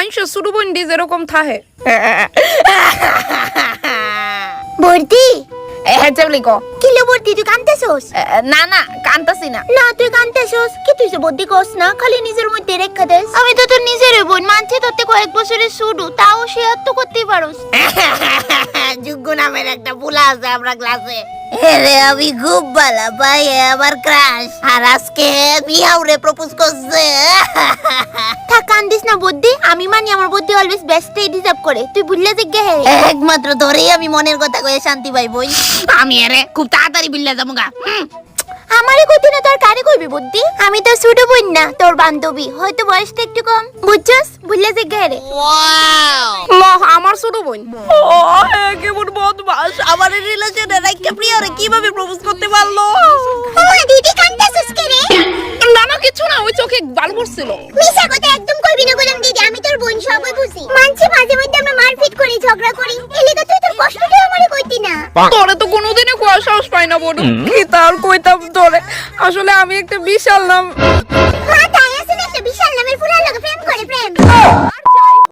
মানুষের ছোট বোন ডি যেরকম থাহে বর্দি হ্যাঁ চাবলি ক কিলো বর্দি তুই কানতেছস? না না কান্তাছি না। না তুই কানতেছস কি? তুই যে বর্দি কস না, খালি নিজের মধ্যে রেখা দেস। আমি তো তোর নিজের বোন মানছি, তোর কয়েক বছরের ছোট, তাও শেয়ার তো করতেই পারোস। যুগ্য নামের একটা পোলা আছে আমরা ক্লাসে। রে আমি খুব ভালো পাই, আমার ক্রাশ। আর আজকে মিয়াউরে প্রপোজ করছে। থাক কান্দিস না বর্দি, আমি মানি আমার বর্দি অলওয়েজ বেস্টই ডিজার্ভ করে। তুই ভুললে জিজ্ঞে হে একমাত্র ধরেই আমি মনের কথা কয়ে শান্তি পাই বই। আমি এরে খুব তাড়াতাড়ি বিল্লা যাবো গা। আমারে কইতি না, তোর কারে কইবি বর্দি? আমি তো ছোট বোন না, তোর বান্ধবী, হয়তো বয়সটা একটু কম, বুঝছস? ভুললে জিজ্ঞে হে ল আমার ছোট বোন। ও কেমন বদমাস, আমার রিলেশনে রাইখা প্রিয়রে কিভাবে প্রপোজ করতে পারলো? ও দিদি কান্দাছস কে রে? না না কিছু না, ওই চোখে বাল পড়ছিল। মিছা কথা একদম কইবি না বললাম দিদি, আমি তোর বোন, সবই বুঝি। মানছি মাঝে মধ্যে আমরা মারপিট করি, ঝগড়া করি, এলিগা তুই তোর কষ্টটা আমারে কইতি না। তোরে তো কোনোদিনই কোয়া সাহস পাই না বড়। কি তার কইতাম তোরে, আসলে আমি একটা বিশাল নাম